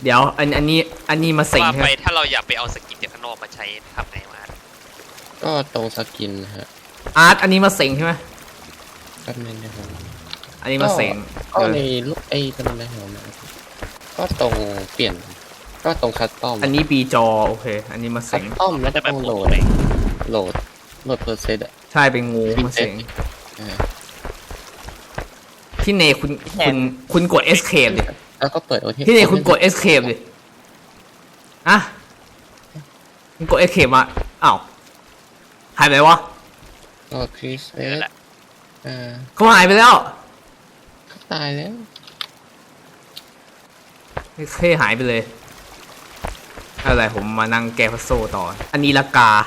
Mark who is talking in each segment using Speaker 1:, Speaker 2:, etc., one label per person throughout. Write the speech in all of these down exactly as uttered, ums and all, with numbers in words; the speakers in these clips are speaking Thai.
Speaker 1: เดี๋ยวอันอันนี้อันนี้มาสิง
Speaker 2: ว่า
Speaker 1: ใช่
Speaker 2: ไป
Speaker 1: ไหม
Speaker 2: ถ้าเราอยากไปเอาสกินจากข้างนอกมาใช้ทำไงมา
Speaker 3: ก็ตรงสกินฮะ
Speaker 1: อาร์ตอันนี้มาสิงใช่ไหม
Speaker 3: แป๊บนึงนะครับ
Speaker 1: อันนี้มาสิง
Speaker 3: ก็ในลูกไอ้ตรงนั้นนะครับก็ตรงเปลี่ยนก็ตรงคัสตอม
Speaker 1: อันนี้ปีจอโอเค อันนี้มา
Speaker 3: คั
Speaker 1: สิ
Speaker 3: ส
Speaker 1: ง
Speaker 3: ตอมแล้วก็
Speaker 2: จะไป
Speaker 3: ต้อง
Speaker 2: โห
Speaker 3: โห
Speaker 2: ล
Speaker 3: ล
Speaker 2: ด
Speaker 3: ด
Speaker 2: เลย
Speaker 3: โหลดโหลดเพอร์เซนต์อ่ะ
Speaker 1: ใช่เป็นงูมาสิง
Speaker 3: อ่า
Speaker 1: พี่เนคุณคุณคุณกด escape ดิ
Speaker 3: แล้วก็เปิดโอที
Speaker 1: พี่เนคุณกด escape ดิอะคุณกด escape มาอ้าวหายไปวะ
Speaker 3: ก็คริสเอ
Speaker 2: นั่
Speaker 3: ส
Speaker 2: นแหละ
Speaker 3: อ่า
Speaker 1: เขาหายไปแล้ว
Speaker 3: เขาตายแล้ว
Speaker 1: เคหายไปเลยอะไรผมมานั่งแกะพัซโซต่อ อันนี้ละกา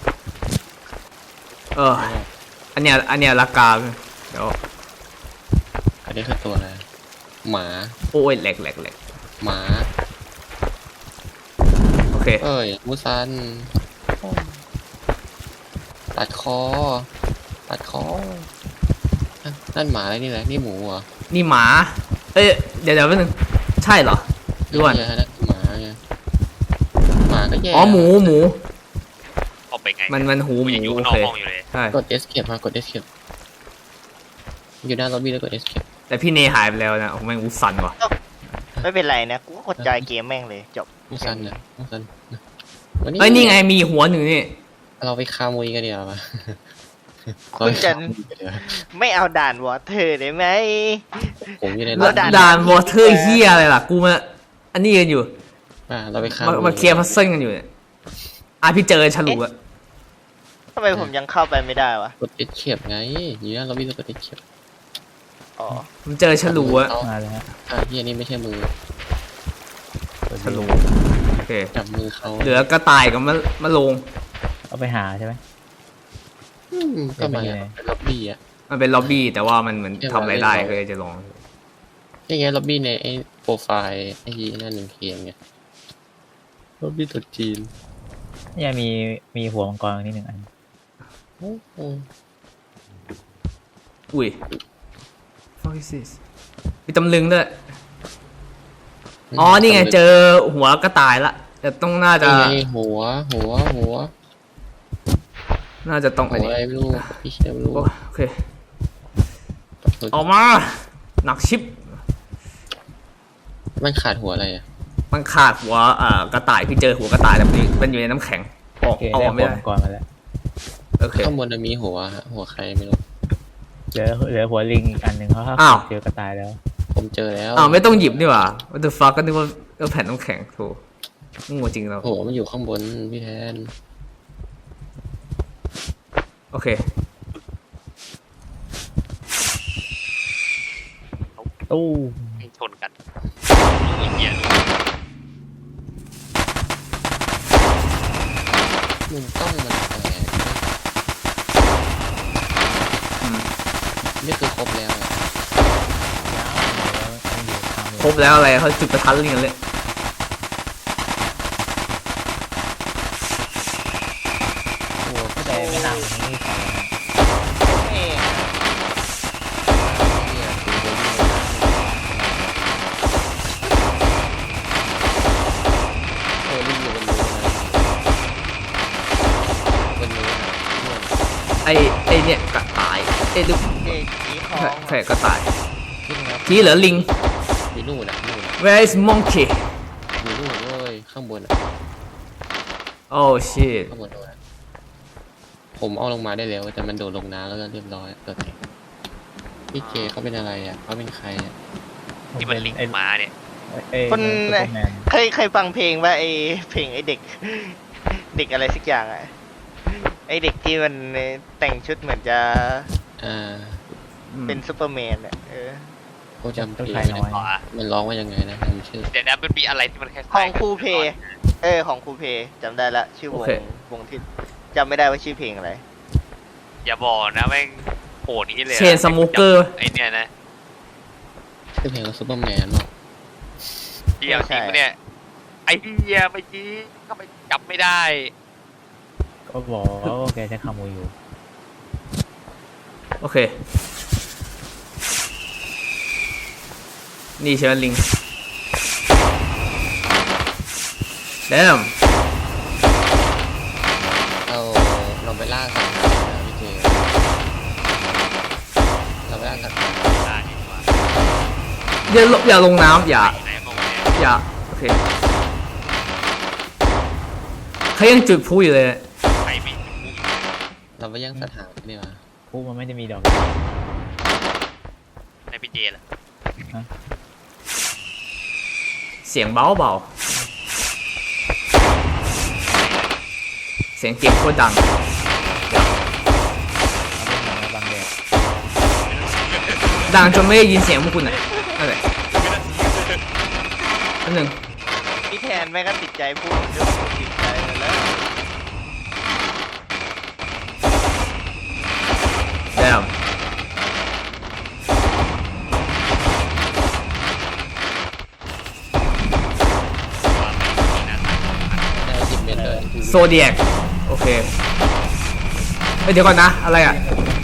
Speaker 1: เออ อันเนี้ยอันเนี้ยละกาเดี๋ยว
Speaker 3: อันนี้คือตัวอะไรหมา
Speaker 1: โอ้ยแหลกแหลกแหลก
Speaker 3: หมา
Speaker 1: โอเค
Speaker 3: เอ้ยมูซันตัดคอตัดคอนั่นนั่นหมาอะไรนี่แหละนี่หมูเหรอ
Speaker 1: นี่หมา เอ้ยเดี๋ยวเดี๋ยวแป๊บนึงใช่เหรอด้วน
Speaker 3: เยนั่นหมาไงหมาก็แย่
Speaker 1: อ๋อหมูหมู
Speaker 2: ออกไปไง
Speaker 1: มันมันหูห
Speaker 2: กู
Speaker 1: มู
Speaker 2: ยังอยู่
Speaker 1: โอ
Speaker 2: ข้างนอ
Speaker 1: เค
Speaker 2: กห้องอยู่เลย
Speaker 1: ใช่
Speaker 3: กด escape มากด escape อยู่หน้าล็อบบี้แล้วกด escape
Speaker 1: แต่พี่เนหายไปแล้วนะโอ้แม่งอุสันว่ะ
Speaker 4: ไม่เป็นไรนะกูก็กดจอยเกมแม่งเลยจบ
Speaker 3: มูซันนะมูซันวัน
Speaker 1: เอ้ยนี่ไงมีหัวหนึ่งนี่
Speaker 3: เราไปคามุยกันเดียวมา
Speaker 4: คุณจะไม่เอาด่านวอเตอร์ได้ไหม
Speaker 3: ผมอยู่ใน
Speaker 4: แล้วด่าน
Speaker 1: ด่านวอเตอร์เฮียอะไรล่ะกูมาอันนี้กันอยู่
Speaker 3: อ่าเราไปคา
Speaker 1: มามาเคลียร์พัซเซิลกันอยู่เนี่ยอ่ะพี่เจอฉลุอะ
Speaker 4: ทำไมผมยังเข้าไปไม่ได้วะ
Speaker 3: กด escape ไงอยู่หน้าล็อบบี้แล้วกด escape
Speaker 4: อ๋อ
Speaker 1: ผมเจอฉลุอะ
Speaker 3: เอา
Speaker 5: มาแล้วฮะ
Speaker 3: อ่าที่อันนี้ไม่ใช่มือ
Speaker 1: ฉลุโอเค
Speaker 3: จับมือเขา
Speaker 1: เหลือกระต่ายกับมะมะโรง
Speaker 5: เอาไปหาใช่ไหม
Speaker 3: อืมก็มา
Speaker 5: เดี๋ยวไปไหน
Speaker 3: เป็นล็อบบี้อ่ะ
Speaker 1: มันเป็นล็อบบี้แต่ว่ามันเหมือน
Speaker 3: เดี๋ยว
Speaker 1: ทำอะไรได้
Speaker 3: เรา
Speaker 1: ก็เลยจะลอง
Speaker 3: นี่ไงล็อบบี้ในไอ้โปรไฟล์ไอ้นั่นหนึ่งเกมไงล็อบบี้ตัวจีน
Speaker 5: เนี่ยมีมีหัวมังกรนี่หนึ่งอัน
Speaker 3: โอ้โห
Speaker 1: อุ้ย fuck is this มีตำลึงด้วยอ๋อนี่ไงเจอหัวกระต่ายละแต่ต้องน่าจะ
Speaker 3: นี่ไงหัวหัวหัว
Speaker 1: น่าจะต้อง
Speaker 3: หั
Speaker 1: อัน
Speaker 3: ว
Speaker 1: นี้
Speaker 3: อะไรไม่รู้พี่เชฟไม่รู้
Speaker 1: โอเคออกมาหนักชิป
Speaker 3: มันขาดหัวอะไรอ่ะ
Speaker 1: มันขาดหัวอ่ากระต่ายพี่เจอหัวกระต่ายแต่มันมันอยู่ในน้ำแข็งออ
Speaker 5: โอก เค
Speaker 1: เอาอ
Speaker 5: ได้
Speaker 1: อก
Speaker 5: หั
Speaker 1: ไม่
Speaker 5: ว
Speaker 1: ได้
Speaker 5: มังกรมาแล้ว
Speaker 1: โอเค
Speaker 3: ข้างบนมีหัวฮะหัวใครไม่รู้
Speaker 5: เหลือเหลือหัวลิงอีกอันหนึ่งเขา
Speaker 1: อ้าว
Speaker 5: เจอกระต่ายแล้ว
Speaker 3: ผมเจอแล้ว
Speaker 1: อ้าวไม่ต้องหยิบนี่หว่า what the fuck ก็นึกว่าก็แผ่นน้ำแข็งโถงูจริงเรา
Speaker 3: หัวมันอยู่ข้างบนพี่แทน
Speaker 1: โอเค
Speaker 5: ตู้
Speaker 2: ให้ชนกันไอ้เหี้ย
Speaker 3: มุมกล้องมันแปลก
Speaker 1: อืม
Speaker 3: นี่คือครบแล้วอะ
Speaker 1: ครบแล้วอะไรเขาจุดประทัดลิงกันเลย
Speaker 3: หัวก็
Speaker 5: แต่ไม่นานกว่านี้พอแล้วฮะ
Speaker 4: เอ้ย
Speaker 3: เนี่ยคือหัวอยู่เออลิงอยู่บนนู้นนะบนนู้นนะนู่น
Speaker 1: ไอไอเนี่ยกระต่ายไอ้ดู
Speaker 4: เอ้ยสีทอง
Speaker 1: แค่กระต่าย
Speaker 3: ขึ้นครับ
Speaker 1: ที่เหลือลิง
Speaker 3: อยู่นู่นนะนู่นนะ
Speaker 1: where is monkey
Speaker 3: อยู่นู่นเว้ยข้างบนอะ
Speaker 1: oh shit
Speaker 3: ข้างบนโดนอะผมเอาลงมาได้แล้วแต่มันโดดลงน้ำแล้วก็เรียบร้อยเกิดพี่เจเขาเป็นอะไรอ่ะเขาเป็นใครอ่ะ
Speaker 2: ที่มันลิงก์มาเนี่ย
Speaker 5: เอ้ย
Speaker 4: คน
Speaker 5: ซุปเปอร์แมน
Speaker 4: เคยเคยฟังเพลงว่าไอเพลงไอเด็ก เด็กอะไรสักอย่างอะไอเด็กที่มันแต่งชุดเหมือนจะ
Speaker 3: อ่า
Speaker 4: เป็นซูเปอร์แมนอะเออ
Speaker 3: เขาจำเพ
Speaker 5: ต้น
Speaker 3: ลง
Speaker 5: ไทร
Speaker 3: ไม่
Speaker 5: น้
Speaker 3: ได้
Speaker 5: อย
Speaker 2: อ๋อ
Speaker 3: มันร้องว่ายังไงนะจำชื่อ
Speaker 2: เดี๋ยวนะมันมีอะไรที่มันคล้ายๆ
Speaker 4: ของครูเพย์ เออของครูเพย์จำได้ละชื่อวงวงที่จำไม่ได้ว่าชื่อเพลงอะไร
Speaker 2: อย่าบอกนะแม่งโหดนี้เลยอะ
Speaker 1: เชนสโมเกอร์
Speaker 2: ไอเนี่ยนะ
Speaker 3: ชื่อเพลงว่าซูเปอร์แมนหรอ
Speaker 2: เหี้ยจริงปะเนี่ยไอ้เหี้ยเมื่อกี้ทำไมจับไม่ได้
Speaker 5: ก็บอกว่าแกใช้คามูอยู่
Speaker 1: โอเค นี่ใช่ไหมลิงเดม
Speaker 3: เราเราไปล่าสัตว์นะพี่เจเราไปล่าสัตว์
Speaker 2: ได้ดีกว่า
Speaker 1: อย่าลอย่าลงน้ำอย่า
Speaker 2: ไหนมองเนี่ย
Speaker 1: อย่าโอเคเขายังจุดพลุอยู่เลย
Speaker 2: ใครไม่รู้
Speaker 3: เราไปย่างสถานนี่วะ
Speaker 5: พูมันไม่ได้มีดอก
Speaker 2: ในพี่เจล่ะ
Speaker 1: เสียงเบาเบาเสียงเก็บโคตรดัง
Speaker 5: เอาเป็นหนังบางแดด
Speaker 1: ดังจนไม่ได้ยินเสียงพวกคุณอ่ะนั่นแหละอันหนึ่ง
Speaker 4: พี่แทนแม่งก็ติดใจพูดเรื่องพูดติดใจเลยแล้ว
Speaker 1: เดม
Speaker 3: ได้สิบเมตรเลย
Speaker 1: โซเดียกโอเคเฮ้ยเดี๋ยวก่อนนะอะไรอ่ะ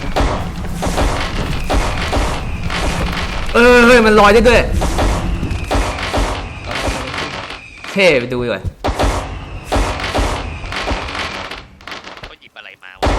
Speaker 1: เออเฮ้ยมันลอยได้ด้วยเท่ไปดูดีกว่า
Speaker 2: เขาหยิบอะไรมาวะ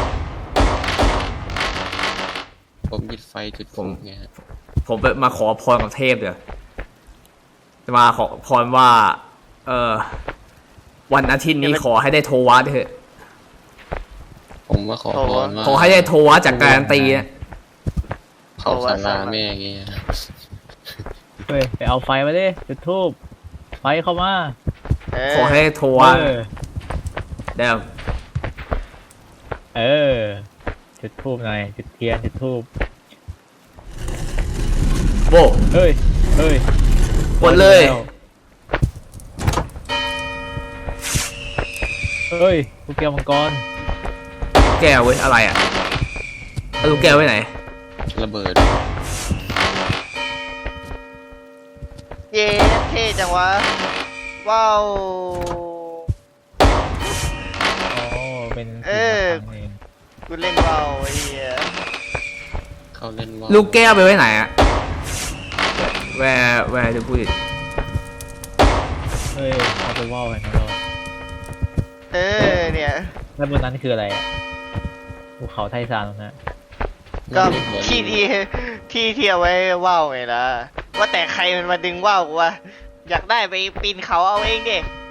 Speaker 3: ผมหยิบไฟจุดผมไงฮะ
Speaker 1: ผมไปมาขอพรกับเทพเดี๋ยวจะมาขอพรว่า เออวันอาทิตย์นี้ขอให้ได้โทวัสเถอะ
Speaker 3: ผมมาขอพรว่า
Speaker 1: ขอให้ได้โทวัสจากการันตีนะ
Speaker 3: เขาสาราแม่อย่างเงี้ย
Speaker 5: เฮ้ยไปเอาไฟมาดิจุดทูบไฟเข้ามา
Speaker 4: เออ
Speaker 1: ขอให้ได้โทวัส
Speaker 5: เออ
Speaker 1: เดี๋ยว
Speaker 5: เออจุดทูบหน่อยจุดเทียนจุดทูบ
Speaker 1: โว้
Speaker 5: เฮ้ยเฮ้ย
Speaker 1: กดเลย
Speaker 5: เฮ้ยลูกแก้วมังกร
Speaker 1: แก้วเว้ยอะไรอ่ะเอาลูกแก้วไว้ไหน
Speaker 3: ระเบิด
Speaker 4: เย้เท่จังวะว้าว
Speaker 5: อ๋อเป็น
Speaker 4: เออ
Speaker 5: สิ่งต่างๆเอง
Speaker 4: กูเล่นว้าวไอ้เหี้ย
Speaker 3: เขาเล่นว่า
Speaker 1: ลูกแก้วไปไว้ไหนอ่ะแวร์แวร์จะพูด
Speaker 5: เฮ้ยเอาไปว่าวเห็นไหมเรา
Speaker 4: เออเนี่ย
Speaker 5: แล้วบนนั้นคืออะไรอ่ะภูเขาไทซานตรงนั้น
Speaker 4: ก็ที่ที่ที่ที่เอาไว้ว้าวไงล่ะว่าแต่ใครมันมาดึงว่าวกูวะอยากได้ไปปีนเขาเอาเองดิ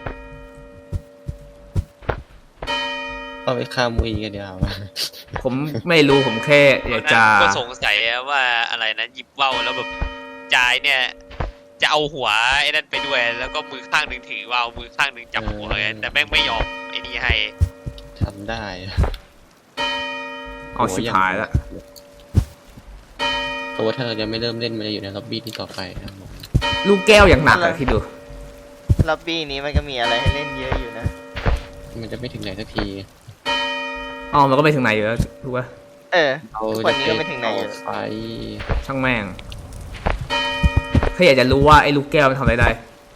Speaker 3: เอาไปฆ่ามุยกันเดียวา
Speaker 1: ผมไม่รู้ผมแค่อยากจะ
Speaker 2: ก็สงสัยว่าอะไรนะหยิบว่าวแล้วแบบจายเนี่ย จะเอาหัวไอ้นั่นไปด้วย แล้วก็มือข้างหนึ่งถือว่าวมือข้างหนึ่งจับหัวไงแต่แม่งไม่ยอมไอ้นี่ให้
Speaker 3: ทำได้
Speaker 1: เอาชิบหายแล้ว
Speaker 3: เพราะว่าถ้าเรายังไม่เริ่มเล่นมันจะอยู่ในล็อบบี้ที่ต่อไปนะครับผม
Speaker 1: ลูกแก้วอย่างหนักอะคิดดู
Speaker 4: ล็อบบี้นี้มันก็มีอะไรให้เล่นเยอะอยู่นะ
Speaker 3: มันจะไม่ถึงไหนสักที
Speaker 1: อ๋อมันก็ไปถึงไหนอยู่แล้วถูกปะ
Speaker 4: เออ
Speaker 3: เรา
Speaker 4: วันนี้ก็ไม่ถึงไหนอยู่
Speaker 3: ไฟ
Speaker 1: ช่างแม่งแค่อยากจะรู้ว่าไอ้ลูกแก้วมันทำอะไรได้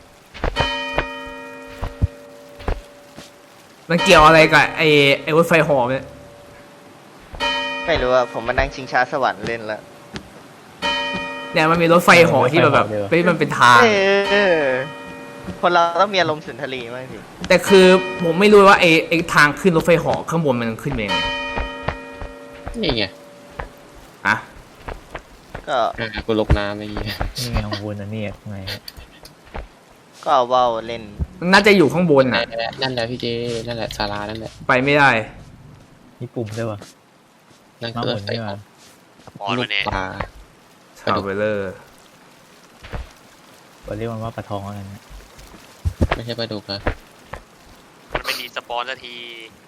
Speaker 1: มันเกี่ยวอะไรกับไอ้ไอ้รถไฟหอมเนี่ย
Speaker 4: ไม่รู้อะผมมานั่งชิงช้าสวรรค์เล่นแล้ว
Speaker 1: เนี่ยมันมีรถไฟหอที่แบบแบบเฮ้ยมันเป็นทาง
Speaker 4: เออคนเราต้องมีอารมณ์สุนทรีมากสิ
Speaker 1: แต่คือผมไม่รู้ว่าไอ้ไอ้ทางขึ้นรถไฟหอข้างบนมันขึ้นเป็นยังไง
Speaker 3: นี่ไง
Speaker 1: อะ
Speaker 4: ก็
Speaker 3: อ่ะกูลกน้ำไอ้เหี้ย
Speaker 5: นี่ไงของคุณอันนี้ข้างใน
Speaker 4: ก็เอาว่าวเล่น
Speaker 1: มันน่าจะอยู่ข้างบนน่ะ
Speaker 3: นั่นแหละพี่เจ นั่นแหละศาลานั่นแหละ
Speaker 1: ไปไม่ได้
Speaker 5: มีปุ่มด้วยวะ
Speaker 3: นั่น
Speaker 5: มา
Speaker 3: คือ
Speaker 5: ห
Speaker 3: ร
Speaker 5: มุ
Speaker 3: ถ
Speaker 5: น
Speaker 3: ไฟ
Speaker 5: นี่
Speaker 3: อ
Speaker 5: มา
Speaker 3: อก
Speaker 2: พอ
Speaker 3: ลู
Speaker 2: แล้ว
Speaker 3: ก
Speaker 2: เนี่ย
Speaker 3: ปลา
Speaker 1: ทราเวลเลอร์
Speaker 5: เราเรียกมันว่าปลาทองอะไรนะ
Speaker 3: ไม่ใช่ปลาดุกนะ
Speaker 2: มันไม่มีสปอนสักที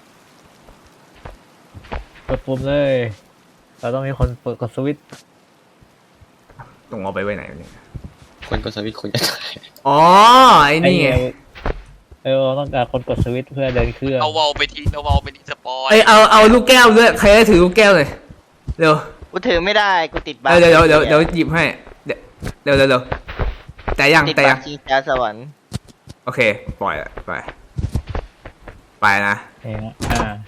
Speaker 5: กดปุ่มเลย เราต้องมีคนเปิดกดสวิตช์
Speaker 1: ต้องเอาไปไว้ไหนวะเนี่ย
Speaker 3: คนกดสวิตช์คนจะตาย
Speaker 1: อ๋อไอ้นี่ไง
Speaker 5: เออเราต้องการคนกดสวิตช์เพื่อเดินเครื่อง
Speaker 2: เอาวอลไปทีเอาวอลไปที่สปอน
Speaker 1: ไอยเอาเอาลูกแก้วด้วยใครได้ถือลูกแก้วเลยเร็ว
Speaker 4: กูถือไม่ได้กูติดบั๊
Speaker 1: เดี๋ยวเดี๋ยวเดี๋ยวเดี๋ยวหยิบให้เดี๋ยวเดี๋ยวเดี๋ยวเดี๋ยวแต่ยัง
Speaker 4: ติด
Speaker 1: แต่
Speaker 4: บั๊
Speaker 1: ยั
Speaker 4: ก
Speaker 1: ง
Speaker 4: ชิงช้าสวรรค์
Speaker 1: โอเคปล่อยละไปไปนะ
Speaker 5: เองนะอ่า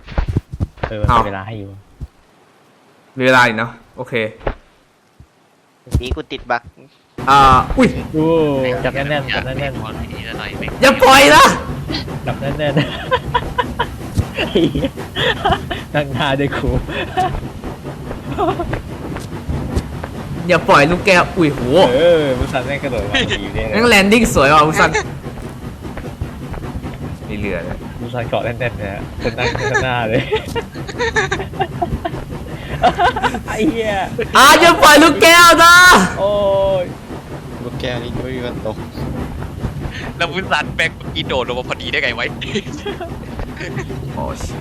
Speaker 5: เออมันมีเวลาให้อยู่
Speaker 1: มีเวลาอีกเนาะโอเค
Speaker 4: ปีกูติดบั๊ก
Speaker 1: อ่าอุ้ย
Speaker 5: ดูจับแน่นๆจับแน่น
Speaker 2: ๆนี่ละหน่อยแม่ง
Speaker 1: อย่าปล่อยนะ
Speaker 5: ๆจับแน่นๆ นั่งหน้าด้วยครู
Speaker 1: อย่าปล่อยลูกแก้วอุ้ยโห
Speaker 5: เออมุสันแม่งกระโดดมาดีเนี่ย
Speaker 1: นั่งแลนดิ้งสวยว่ะมุสันมีเรือเลย
Speaker 5: มุสันเกาะแน่นๆเนี่ยคนนั่งข้างหน้าเลย ไอ้เหี้ย
Speaker 1: อ่าอย่าปล่อยลูกแก้วนะ
Speaker 5: โอ้ย
Speaker 3: ลูกแก้วนี่ไม่มีวันตก
Speaker 2: แล้ววุ้นซันแบกเมื่อกี้โดดลงมาพอดีได้ไงไว้
Speaker 1: โอ้ชิ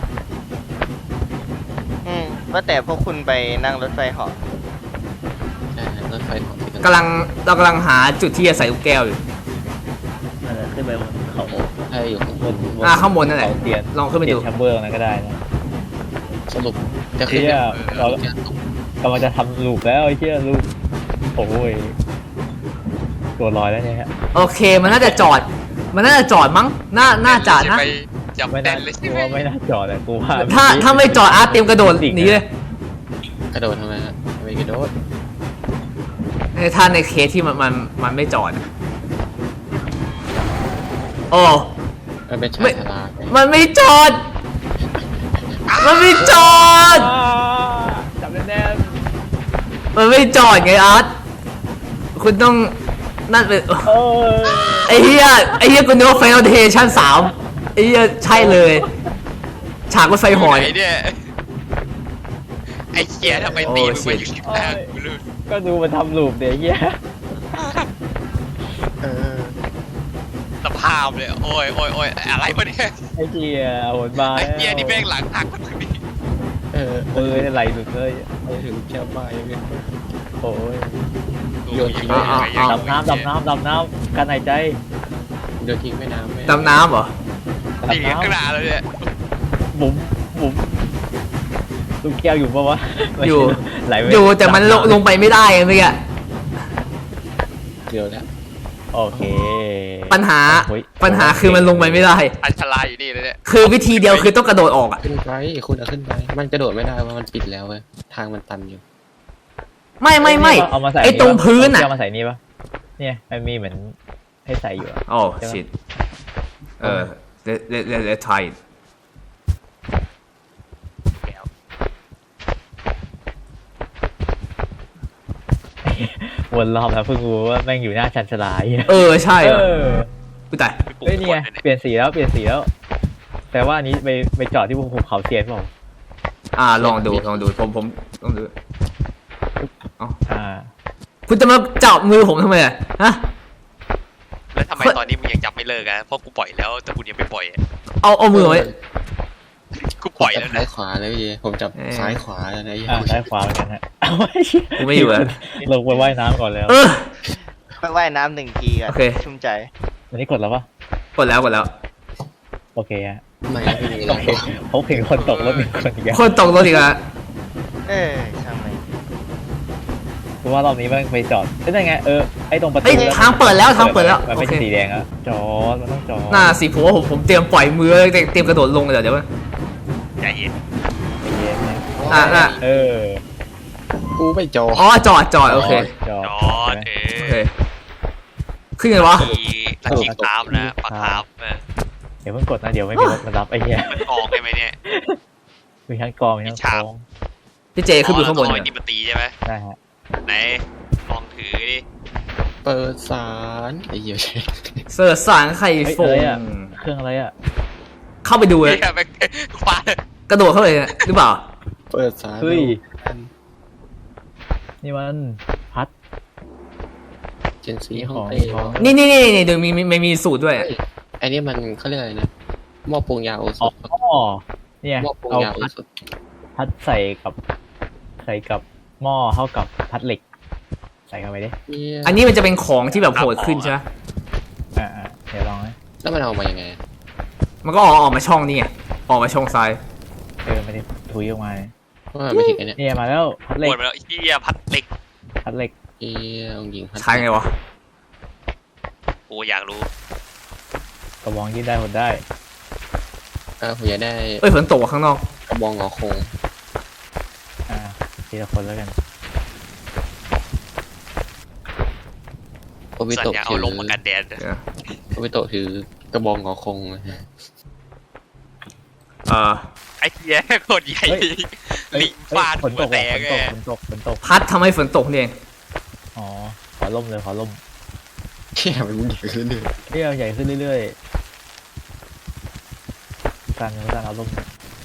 Speaker 4: อืมว่าแต่พวกคุณไปนั่งรถไฟเหาะ
Speaker 3: ใช่รถไฟของที่
Speaker 1: กำลังเรากำลังหาจุดที่จะใส่ลูกแก้วอยู่
Speaker 5: นั่นแหละขึ้นไปบนเขา
Speaker 3: ใช่อยู่ข้างบน
Speaker 1: อ่าข้างบนนั่นแหละ
Speaker 5: เขาเตียน
Speaker 1: ลองขึ้นไป
Speaker 5: เตีย
Speaker 1: ดู
Speaker 5: นแชมเบอร์นั้นก็ได้นะ
Speaker 3: สรุปจะขึ้น
Speaker 5: เชี่ย
Speaker 3: เรา
Speaker 5: เรากำลังจะทำลูกแล้วไอ้เชี่ยลูกโอ้ยตัวลอยแล้วเนี่ยฮะ
Speaker 1: โอเคมันน่าจะจอด มันน่าจะจอดมั้งน่าน่าจะนะ
Speaker 2: ไปจับ
Speaker 5: ไม่
Speaker 2: แน่
Speaker 5: น่าน
Speaker 2: เลย
Speaker 5: ก
Speaker 2: ใช่
Speaker 5: ลั
Speaker 2: ไหม
Speaker 5: วไม่น่าจอดอะกูว่า
Speaker 1: ถ้าถ้าไม่จอดอาร์ตเตรียมกระโดดหนีเลย
Speaker 3: กระโดดทำไมฮะไม่กระโดด
Speaker 1: ถ้าในเคสที่มันมันมันไม่จอดอะโอ้
Speaker 3: มันเป็นชา
Speaker 1: ไม่
Speaker 3: ยชาลาไง
Speaker 1: มันไม่จอด มันไม่จอด
Speaker 5: อ่าจับแน่น
Speaker 1: มันไม่จอดไงอาร์ตคุณต้องนั่นเป็น
Speaker 5: ๆเออ
Speaker 1: ไอ้เหี้ยไอ้เหี้ยกูนึกว่าไฟนอลเดชั่นสามไอ้เหี้ยใช่เลย ฉากรถไฟหอย
Speaker 2: ไหนเนี่ยไอ้เหี้ยทำไมตีมึงมาอยู่ที่หน้ากูเลย
Speaker 5: ก็ดูมันทำลูกเดี๋ยวเหี้ย
Speaker 3: เออ
Speaker 2: สภาพเลยโอ้ยโอ้ยโอ้ยอะไรวะเนี่ย
Speaker 5: ไอ้เหี้ยโหดบาย
Speaker 2: ไอ้เหี้ยนี่แม่งหลังหักมาตรงนี้
Speaker 3: เออ
Speaker 5: เออไหลหลุดเลย
Speaker 3: ไปถึงแก้วใบเลย
Speaker 5: โอ้ย
Speaker 3: โยนทิ้ง
Speaker 1: อ่าอ่า
Speaker 5: ดำน้ำดำน้ำดำน้ำกันหายใจ
Speaker 3: โยนทิ้งแม่น้ำไม่
Speaker 1: ดำน้ำเหรอ
Speaker 2: ตีข้างหน้าเลยเนี่ย
Speaker 5: บุ๋มบุ๋มลูกแก้วอยู่ปะวะ
Speaker 1: อยู่
Speaker 5: ไหลไป
Speaker 1: อยู่แต่มันลงลงไปไม่ได้ไงเมื่อกี้
Speaker 3: เดียวแล้ว
Speaker 5: โอเค
Speaker 1: ปัญหา
Speaker 5: โอ้ย
Speaker 1: ปัญหาคือมันลงไปไม่ได้
Speaker 2: อันชลาอยู่นี่เลยเนี่ย
Speaker 1: คือวิธีเดียวคือต้องกระโดดออกอ่ะ
Speaker 3: ขึ้นไปคุณเอาขึ้นไปมันกระโดดไม่ได้เพราะมันปิดแล้วเว้ยทางมันตันอยู่
Speaker 1: ไม่ไม่ไม่
Speaker 5: เอามาใส่
Speaker 1: ไอ้ตรงพื้น
Speaker 5: อ่ะ
Speaker 1: อ่ะ
Speaker 5: เอามาใส่นี่ปะเนี่ยมันมีเหมือนให้ใส่อยู่อะ
Speaker 1: โอ้ชิตเออ let let let let try it
Speaker 5: วนรอบแล้วเพิ่งรู้ว่าแม่งอยู่หน้าชันชลาเหี้ย
Speaker 1: เออใช่
Speaker 5: เอ
Speaker 1: ว่ะ
Speaker 5: อ
Speaker 1: กูตาย
Speaker 5: เฮ้ยนี่ไงเปลี่ยนสีแล้วเปลี่ยนสีแล้ว แต่ว่าอันนี้ไปไปจอดที่ภูเขาเซียนเปล่า
Speaker 1: อ่าลองดูลองดูผมผมลองดู
Speaker 5: อ่า
Speaker 1: คุณจะมาจับมือผมทำไมอ่ะฮะ
Speaker 2: แล้วทำไมตอนนี้มึงยังจับไม่เลิกอะเพราะกูปล่อยแล้วแต่คุณยังไม่ปล่อยอะ
Speaker 1: เอาเอามือไว้
Speaker 2: กูปล่อยแล้ว
Speaker 3: ซ้า
Speaker 2: นะ
Speaker 3: ยขวาเลยพี่ผมจับ
Speaker 1: เออ
Speaker 3: ซ้ายขวาแล้วนะ
Speaker 5: อ่าซ้ายขวาเหมือนกันฮะเอาไว้เชี่ย
Speaker 1: กูไม่อยู่อะ
Speaker 5: ลงไปว่ายน้ำก่อนแล้ว
Speaker 1: เออ
Speaker 4: ไปว่ายน้ำหนึ่งทีกัน
Speaker 1: โอเค
Speaker 4: ชุ่มใจ
Speaker 5: วันนี้กดแล้วปะ
Speaker 1: กดแล้วกดแล้ว
Speaker 5: โอเคฮะ
Speaker 3: ไม่ไม่มี
Speaker 5: โอเคเขาเห็นคนตกรถหนึ่งคนอีกแล้ว
Speaker 1: คนตกรถอีกแล้ว
Speaker 4: เออช่างมัน
Speaker 5: เพราะว่ารอบนี้แม่งไปจอดเอ้ยนั่นไงเออไอ้ตรงประตู
Speaker 1: เอ้ยทางเปิดแล้วทางเปิดแล้ว
Speaker 5: มัน
Speaker 1: โอ
Speaker 5: ไม่
Speaker 1: เค
Speaker 5: ใช่สีแดงอะจอดมันต้องจอด
Speaker 1: น่าสิผมว่าผมผมเตรียมปล่อยมือเตรียมเตรียมกระโดดลงเลยเดี๋ยวเดี๋ยว
Speaker 2: ใจเย็น
Speaker 5: ใจเย็นนะ
Speaker 1: อ่ะอ่ะ
Speaker 5: เออ
Speaker 3: กูไม่จอ
Speaker 1: อ๋อจอดจอดโอเค
Speaker 5: จอด
Speaker 2: จอดเอ
Speaker 1: โอ
Speaker 2: อ
Speaker 1: เคขึ้นไงวะ
Speaker 2: มีลักกี้คราฟนะปลาคราฟเออ
Speaker 5: เดี๋ยวเพิ่งกดนะเดี๋ยวไม่มีรถมารับไอ้เหี้ย
Speaker 2: มันออกได้ไหมเนี่ย
Speaker 5: มีทั้งกองมีทั้งกอง
Speaker 1: พี่เจขึ้นไปข้างบน
Speaker 2: อ๋อ
Speaker 1: เนี่
Speaker 2: นี่
Speaker 1: ย
Speaker 2: มันตีใช่ไหม
Speaker 5: ได้ฮะ
Speaker 2: ไหนลองถือดิ
Speaker 3: เปิดสารไอ้เหี้ยใช่
Speaker 1: เสิร์ชสารไข่
Speaker 5: เฮ้ย
Speaker 1: ฟ
Speaker 5: อะไร
Speaker 1: ง
Speaker 5: อะเครื่องอะไรอะ
Speaker 1: เข้าไปดูเลย
Speaker 2: เฮียแม่งคว้าก
Speaker 1: ระโดดเข้าไปเลยหรือเปล่า
Speaker 3: เปิดสาร
Speaker 5: เฮ้ยนี่มันพัด
Speaker 3: เจนซี
Speaker 5: มี
Speaker 3: ห้
Speaker 5: ข
Speaker 3: อ
Speaker 5: อง ง
Speaker 3: เต้
Speaker 5: ของ
Speaker 1: นี่นี่นี่นี่ดูมีมีมีมีสูตรด้วย
Speaker 3: ไอ้นี่มันเขาเรียกอะไรนะหม้อปรุงยาโอส
Speaker 5: อ๋อ
Speaker 3: ถ
Speaker 5: เนี่ย
Speaker 3: หม้อปรุง
Speaker 5: เอา
Speaker 3: ยาโอ
Speaker 5: พัด
Speaker 3: สถ
Speaker 5: พัดใส่กับใส่กับหม้อเท่ากับพัดเหล็ก ใส่เข้าไปดิ
Speaker 3: เนี่ย
Speaker 1: อันนี้มันจะเป็นของที่แบบโหดขึ้นใช่ไหม
Speaker 5: อ่าอ่าเดี๋ยวลองนะ
Speaker 3: แล้วมันเอามายังไง
Speaker 1: มันก็ออกออกมาช่องนี่ไงออกมาช่องซ้าย
Speaker 5: เออไม่ได้ถุยออกมาเนี่ย
Speaker 3: ว่าไม่ถึงไอ้เนี่ย
Speaker 5: เนี่ยมาแล้วพัดเหล็
Speaker 2: ป
Speaker 5: ก
Speaker 2: วดไปแล้วเฮียพัดเหล็ก
Speaker 5: พัดเหล็ก
Speaker 3: เอ้ยองหญิงพัด
Speaker 1: ใช้ไงวะ
Speaker 2: กูอยากรู้
Speaker 5: กระบองยืดได้หดได้
Speaker 3: อ่าผมอยากได้
Speaker 1: เอ้ยฝนตกว่ะข้างนอก
Speaker 3: กระบองงอโคง
Speaker 5: อ่าทีละคนแล้วกัน
Speaker 3: วิ
Speaker 2: สัญ
Speaker 3: โตะ
Speaker 2: ญา
Speaker 3: ถื
Speaker 2: เอา
Speaker 3: อ
Speaker 2: ลงมากันแดด
Speaker 1: เดี๋ยว
Speaker 3: โอวิโตะถือกระบองงอคงนะฮะ
Speaker 1: เออ
Speaker 2: ไอ้เหี้ยโคตรใหญ่
Speaker 5: เฮ้ย
Speaker 2: ลิงฟาด
Speaker 5: ฝน
Speaker 2: หั
Speaker 5: ต
Speaker 2: ว
Speaker 5: ก
Speaker 2: แต
Speaker 5: ว่ะ
Speaker 2: ก
Speaker 5: ฝ
Speaker 2: ไง
Speaker 5: นตกฝนตกฝนตก
Speaker 1: พัดทำให้ฝนตกนี่เอง
Speaker 5: อ๋อขอล่มเลยขอล่ม
Speaker 3: เชี่ยมันใหญ่ขึ้นเรื่อย
Speaker 5: เรี่ยวใหญ่ขึ้นเรื่อยๆการการเอาล่ม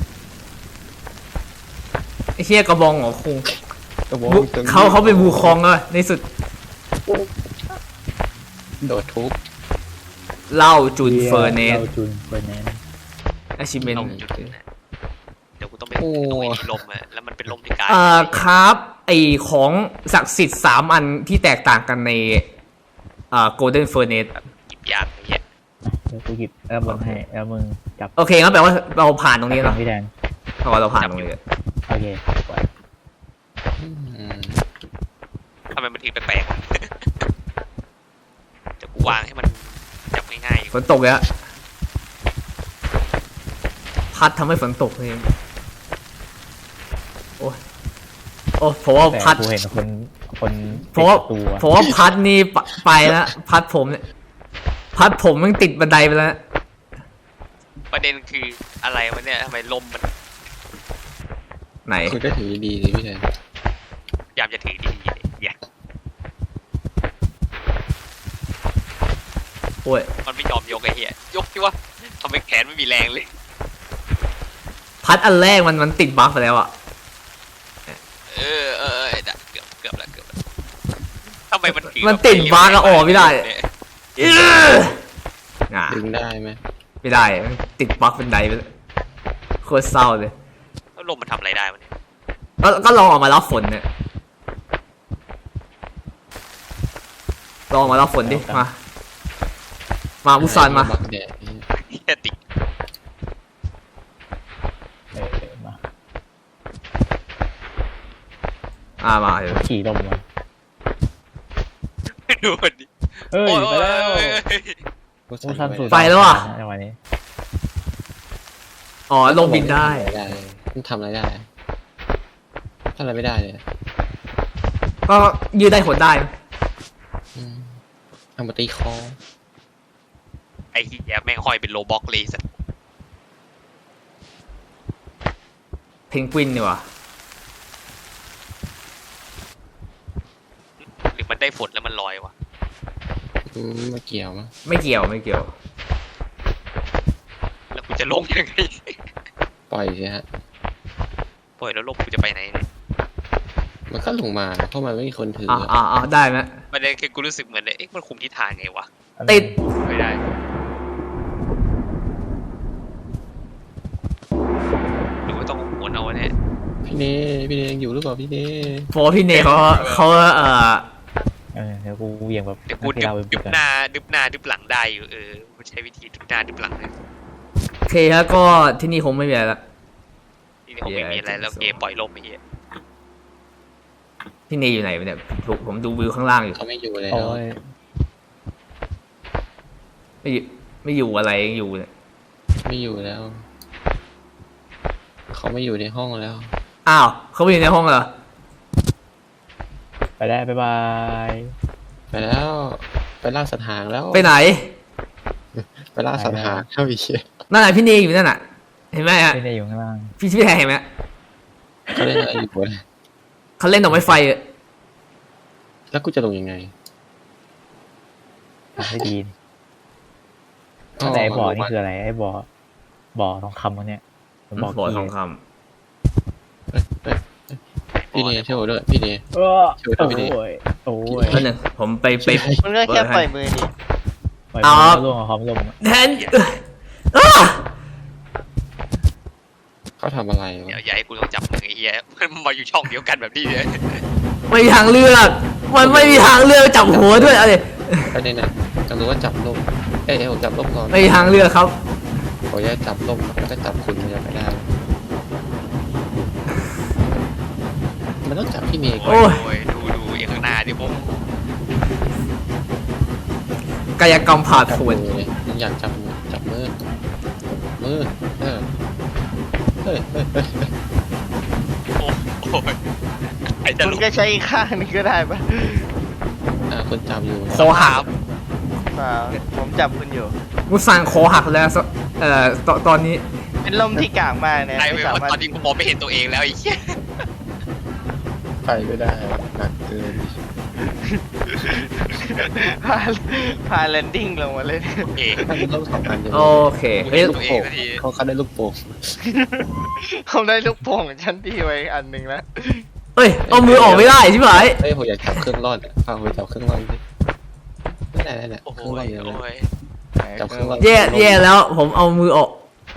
Speaker 1: ไอ้เชี่ยกระบองของคุง
Speaker 3: ๆกระบอง
Speaker 1: บุเขาเขาเป็นบูคองแล้วในสุด
Speaker 3: โดดทุบ
Speaker 1: เหล่าจุนเฟอร์เนส
Speaker 5: เราจุนเฟอร์เนส
Speaker 1: อาชิเมน
Speaker 2: ลมจุดนั้นน่ะเดี๋ยวกูต้องไปต้องไปมีลมอะแล้วมันเป็นลมที่กาย
Speaker 1: เอ่อครับไอของศักดิ์สิทธิ์สามอันที่แตกต่างกันในเอ่อโกลเด้นเฟอร์เนส
Speaker 2: หยิบยางอย่างเงี้ย
Speaker 5: เดี๋ยวกูหยิบแอลบนให้แล้วมึงจับ
Speaker 1: โอเคงั้นแปลว่าเราผ่านตรงนี้
Speaker 5: จั
Speaker 1: แล้
Speaker 5: บ
Speaker 1: ว
Speaker 5: พี่แดง
Speaker 1: เพราะว่าเราผ่านตรงนี้
Speaker 5: โอเคปล่อย
Speaker 3: อืม
Speaker 2: ทำไมมันถึงแปลกๆอะเดี๋ยวกูวางให้มันจับง่ายๆ
Speaker 1: ฝนตกแล้วพัดทำให้ฝนตกเองโอ้ยโอ้เพราะว่า
Speaker 5: แต่
Speaker 1: พัด
Speaker 5: กูเห็นคนคน
Speaker 1: เพราะว่า
Speaker 5: ติดประตูอะ
Speaker 1: เพราะว่าพัดนี่ไปไปแล้วพัดผมเนี่ยพัดผมมันติดบันไดไปแล้ว
Speaker 2: ประเด็นคืออะไรวะเนี่ยทำไมลมมัน
Speaker 1: ไหน
Speaker 3: คุณก็ถือดีๆเลยพี่แทน
Speaker 2: พยายามจะถือดีๆอย่า
Speaker 1: โอ้ย
Speaker 2: มันไม่ยอมยกไอ้เหี้ยยกที่ว่าทำไมแขนไม่มีแรงเลย
Speaker 1: พัดอันแรกมันมันติดบั๊กไปแล้วอ่ะ
Speaker 2: เออเออเออเกือบเกือบแล้วเกือบแล้วทำไมมันถือ
Speaker 1: มันติดบั๊กอะออกไม่ได้
Speaker 2: เนี่ย
Speaker 1: อื้ออ่ะ
Speaker 3: ดึงได้ไหม
Speaker 1: ไม่ได้มันติดบั๊กเป็นไดไปแล้วโคตรเศร้าเลย
Speaker 2: แล้วลมมันทำอะไรได้วะเนี่ย
Speaker 1: ก็ก็ลองออกมารับฝนเนี่ยลองออกมารับฝนดิมามาบุซานมา
Speaker 3: บักแดดนี่
Speaker 2: เหี้ยติด
Speaker 5: เออเออมา
Speaker 1: อ่ามาเดี๋ยว
Speaker 5: ขี่ลมมา
Speaker 2: ดูมันดิ
Speaker 5: เฮ้ย
Speaker 2: โอ้ย
Speaker 5: ไปแล้ว
Speaker 2: โอ้ยโอ้ย
Speaker 3: กู
Speaker 5: กู
Speaker 3: ใส่
Speaker 5: ทำสูตร
Speaker 1: ไปแล้วอะ
Speaker 5: ในวันนี้
Speaker 1: อ๋อลงบินได้
Speaker 3: ได้มันทำอะไรได้ทำอะไรไม่ได้เลย
Speaker 1: ก็ยืดได้หดได้
Speaker 3: อืมเอามาตีคอ
Speaker 2: ไอ้เหี้ยแม่งห้อยเป็นโลบ็อกเลยสัส
Speaker 1: เพนกวินดีกว่า
Speaker 2: หรือมันได้ฝนแล้วมันลอยวะ
Speaker 3: อืมไม่เกี่ยวมั้ง
Speaker 1: ไม่เกี่ยวไม่เกี่ยว
Speaker 2: แล้วกูจะลงยังไง
Speaker 3: ปล่อยสิฮะ
Speaker 2: ปล่อยแล้วลมกูจะไปไหนเนี่ย
Speaker 3: มันก็ลงมาเพราะมันไม่มีคนถือ
Speaker 1: อ่าอ่าอ่าได้ไหม
Speaker 2: ประเด็นคือกูรู้สึกเหมือนเลยเอ๊ะมันคุมทิศทางไงวะ
Speaker 1: ติด
Speaker 2: ไม่ได้หรือว่าต้องหมุนเอาเนี่ย
Speaker 3: พี่เนพี่เนยังอยู่หรือเปล่าพี่เน
Speaker 1: เพราะว่าพี่เนเขาเขาเอ่อ
Speaker 5: เออเดี๋ยวกูเหวี่ยงแบบ
Speaker 2: เดี๋ยวกู
Speaker 5: นักกี
Speaker 2: ดึบ
Speaker 5: ฬาโอลิมปิ
Speaker 2: ดึ
Speaker 5: ก
Speaker 2: บ
Speaker 5: อะ
Speaker 2: หน้าดึบหน้าดึบหลังได้อยู่เออกูใช้วิธีดึบหน้าดึบหลังเลย
Speaker 1: โอเคฮะก็ที่นี่คงไม่มีอะไรละ
Speaker 2: ทีนี้คงไม่มีอะไรแล้วเกมปล่อยลมไปเหี้ย
Speaker 1: พี่เนอยู่ไหนวะเนี่ยผมผมดูวิวข้างล่างอยู่
Speaker 3: เขาไม่อยู่แล้ว
Speaker 5: โอ้ย
Speaker 1: ไม่อยู่ไม่อยู่อะไรยังอยู่เนี่ย
Speaker 3: ไม่อยู่แล้ว เขาไม่อยู่ในห้องแล้ว
Speaker 1: อ้าวเขาไปอยู่ในห้องเหรอ
Speaker 5: ไปได้บ๊ายบาย
Speaker 3: ไปแล้ว ไปล่าสัตว์หางแล้ว
Speaker 1: ไปไหน
Speaker 3: ไปล่าสัตว์หางเข้าอีก
Speaker 1: นั่นแหละพี่เนอยู่นั่นน่ะ เห็นไหมฮะ
Speaker 5: ไม่ได้อยู่ข้างล่าง
Speaker 1: พี่พี่แทนเห็นไหม
Speaker 3: เขาเล่นอะไรอยู่วะ
Speaker 1: เขาเล่นดอกไม้ไฟอะ
Speaker 3: แล้วกูจะลงยังไง
Speaker 5: ไม่ดีแต่ไอ้บ่อนี่คืออะไรไอ้บ่อบ่อทองคำวะเนี่ยมันบอก
Speaker 1: บ่อท
Speaker 5: กี่
Speaker 1: องค
Speaker 3: เอ้ยเอ้ยเอ้ยพี่เนช่วยด้วยพี่เน
Speaker 5: เออ
Speaker 3: ช่วยด้วยพี่ดิ
Speaker 5: โอ้ยโอ้ย
Speaker 1: ำแล้วหนึ่งผมไปไป
Speaker 4: มันก็แค่ปล่อยมือดิ
Speaker 5: ปล่อย
Speaker 1: เอา
Speaker 5: มันร่วงกับความลมอะ
Speaker 1: แทนอ้า
Speaker 3: เขาทำอะไร
Speaker 2: เดี๋ยว
Speaker 3: วะ
Speaker 2: อย่าให้กูต้องจับมือไอ้เหี้ยมันมาอยู่ช่องเดียวกันแบบนี้เลย
Speaker 1: ไม่มีทางเลือกมันไม่มีทางเลือกจับหัวด้วยอะไร
Speaker 3: ประเด็นน่ะจะรู้ว่าจับลมเอ้ยเอ้ยผมจับลมก่อน
Speaker 1: ไม่มีทางเลือกครับ
Speaker 3: ขออนุญาตจับลมแล้วก็จับคุณมันจะไปได้ มันต้องจับพี่เมย์ก่อน
Speaker 1: โอ้ย
Speaker 2: โอ้ยดูดูอย่างข้างหน้าดิผม
Speaker 1: กายกรรมผ่า
Speaker 3: จับ
Speaker 1: ผ
Speaker 3: มื
Speaker 1: ล
Speaker 3: อเลยมึงอยากจับมือจับมือมือเออเฮ้ยเฮ้ยเฮ้ยเฮ้ย
Speaker 2: โอ้โอ้ยไอ้จะ
Speaker 4: คุณ
Speaker 2: ลุก
Speaker 4: ก็ใช้อีกข้างนึงก็ได้ปะ
Speaker 3: อ่าคนจับอยู่
Speaker 1: เขาหัก
Speaker 4: เปล่าผมจับคุณอยู่
Speaker 1: กูสั่งคอหักแล้วสเอ่อตอนตอนนี้
Speaker 4: เป็นลมที่กลางมากเนี่ย
Speaker 2: ไอ้
Speaker 4: ไม่
Speaker 2: เว้ย
Speaker 4: สา
Speaker 2: ว่า
Speaker 4: มารถ
Speaker 2: ตอนนี้กูมองไม่เห็นตัวเองแล้วไอ้เหี้ย
Speaker 3: ไปไม่ได้หนักเกิน
Speaker 4: พาพาแลนดิ้งลงมาเลย
Speaker 2: โอเค
Speaker 3: ถ้ามันต้องสองอันจะ
Speaker 1: โอเค
Speaker 2: กู
Speaker 1: เฮ้ย
Speaker 2: เห็นตัวเองสักที
Speaker 3: เขาเขาได้ลูกโป่ง
Speaker 4: เขาได้ลูกโป่งชั้นที่ไว้อันหนึ่งแล้ว
Speaker 1: เอ้ยเอามือออกไม่ได้ใช่ไหม
Speaker 3: เฮ้ยผมอยากจับเครื่องร่อนอะพาผมจับเครื่องร่อนดิไม่ได้ไม่ได้
Speaker 2: โอ้
Speaker 3: เค
Speaker 2: โห
Speaker 3: รื่องร่อนเยอะเลย
Speaker 2: โอ้ย
Speaker 3: จับเครื่องร่อน
Speaker 1: แย่แย่แล้ว ผมเอามือออก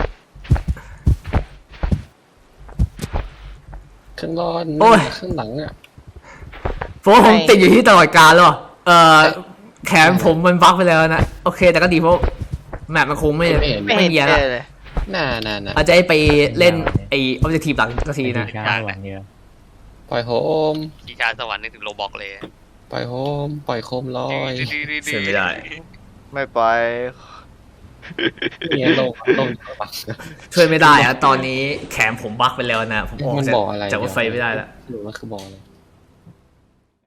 Speaker 3: เครื่องร่อน
Speaker 1: โอ้ย
Speaker 3: เครื่องหลังอ่ะ
Speaker 1: เพราะว่าผมติดอยู่ที่ตลอดกาลแล้วอะเอ่อแขนผมมันบั๊กไปแล้วนะโอเคแต่ก็ดีเพราะแมปมันคงไม่
Speaker 3: ไม่เห็น
Speaker 4: ไม่
Speaker 1: ไม่
Speaker 4: เห็น
Speaker 1: มีอะไร
Speaker 4: เจอเลย
Speaker 3: น่าน่าน่า
Speaker 1: อาจจะให้ไปเล่นไอ้ออบเจกตีฟหลังสักทีนะ
Speaker 5: ช้าหวังเดียว
Speaker 3: ปล่อยโฮม
Speaker 2: ขี่ชาสวรรค์นึกถึงโรบอกเลย
Speaker 3: ปล่อยโฮมปล่อยโคมลอย
Speaker 1: เสียไม่ได้
Speaker 4: ไม่ปล่อย
Speaker 3: เนี่ยลงลงปัก
Speaker 1: ช่วยไม่ได้อะตอนนี้แขนผมบั๊กไปแล้วนะผมออก
Speaker 3: มัน
Speaker 1: จาก
Speaker 3: บอกอะไร
Speaker 1: จากรถไฟไม่ได้แล้ว
Speaker 3: หรือว่าคือบอกอะไร